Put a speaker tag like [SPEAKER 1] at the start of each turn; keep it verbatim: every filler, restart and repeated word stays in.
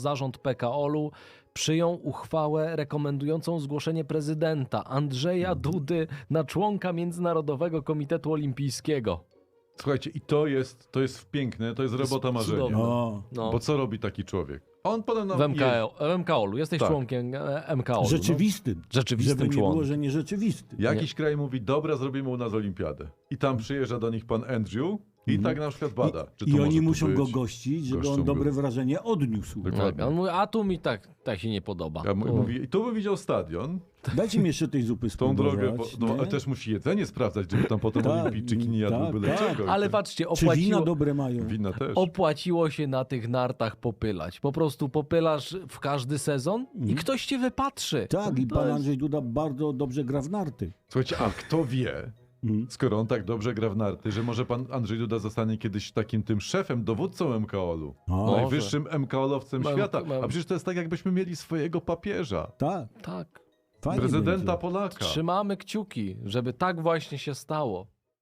[SPEAKER 1] zarząd P K O L-u przyjął uchwałę rekomendującą zgłoszenie prezydenta Andrzeja Dudy na członka Międzynarodowego Komitetu Olimpijskiego.
[SPEAKER 2] Słuchajcie, i to jest, to jest piękne, to jest robota marzenia.
[SPEAKER 1] cudowne.
[SPEAKER 3] O,
[SPEAKER 1] No.
[SPEAKER 2] Bo co robi taki człowiek? On potem nam
[SPEAKER 1] W M K O, w M K O L-u. Jesteś
[SPEAKER 2] Tak.
[SPEAKER 1] członkiem e, M K O L-u.
[SPEAKER 3] rzeczywistym.
[SPEAKER 1] Rzeczywistym
[SPEAKER 3] Żeby nie
[SPEAKER 1] członkiem.
[SPEAKER 3] było, że nierzeczywistym.
[SPEAKER 2] Jakiś kraj mówi, dobra, zrobimy u nas olimpiadę. I tam przyjeżdża do nich pan Andrew i tak na przykład bada. Czy to
[SPEAKER 3] I
[SPEAKER 2] może
[SPEAKER 3] oni
[SPEAKER 2] tu
[SPEAKER 3] muszą
[SPEAKER 2] być?
[SPEAKER 3] go gościć, żeby
[SPEAKER 2] Goszczą
[SPEAKER 3] on dobre
[SPEAKER 2] go.
[SPEAKER 3] wrażenie odniósł.
[SPEAKER 1] No.
[SPEAKER 2] Dokładnie.
[SPEAKER 1] Tak, on mówi, a tu mi tak, tak się nie podoba.
[SPEAKER 2] Ja mu-
[SPEAKER 1] Tu.
[SPEAKER 2] mówi, I tu by widział stadion,
[SPEAKER 3] Dajcie mi jeszcze tej zupy
[SPEAKER 2] tą
[SPEAKER 3] spróbować.
[SPEAKER 2] drogę, bo, no,
[SPEAKER 3] nie?
[SPEAKER 2] ale też musi jedzenie sprawdzać, żeby tam potem
[SPEAKER 3] Tak,
[SPEAKER 2] olimpijczyki nie jadły
[SPEAKER 3] tak,
[SPEAKER 2] byle
[SPEAKER 3] tak.
[SPEAKER 2] czego.
[SPEAKER 1] Ale patrzcie,
[SPEAKER 3] Czy wina
[SPEAKER 1] opłaciło,
[SPEAKER 3] dobre mają?
[SPEAKER 2] Wina też.
[SPEAKER 1] opłaciło się na tych nartach popylać. Po prostu popylasz w każdy sezon i ktoś cię wypatrzy.
[SPEAKER 3] Tak, i
[SPEAKER 1] To
[SPEAKER 3] pan
[SPEAKER 1] jest-
[SPEAKER 3] Andrzej Duda bardzo dobrze gra w narty.
[SPEAKER 2] Słuchajcie, a kto wie,
[SPEAKER 3] Mhm.
[SPEAKER 2] skoro on tak dobrze gra w narty, że może pan Andrzej Duda zostanie kiedyś takim tym szefem, dowódcą M K O L-u.
[SPEAKER 3] O,
[SPEAKER 2] Najwyższym M K O L-owcem
[SPEAKER 1] Mam-
[SPEAKER 2] świata.
[SPEAKER 1] mam-
[SPEAKER 2] A przecież to jest tak, jakbyśmy mieli swojego papieża.
[SPEAKER 3] tak,
[SPEAKER 1] Tak.
[SPEAKER 3] fajnie
[SPEAKER 2] Prezydenta
[SPEAKER 3] będzie.
[SPEAKER 2] Polaka.
[SPEAKER 1] Trzymamy kciuki, żeby tak właśnie się stało.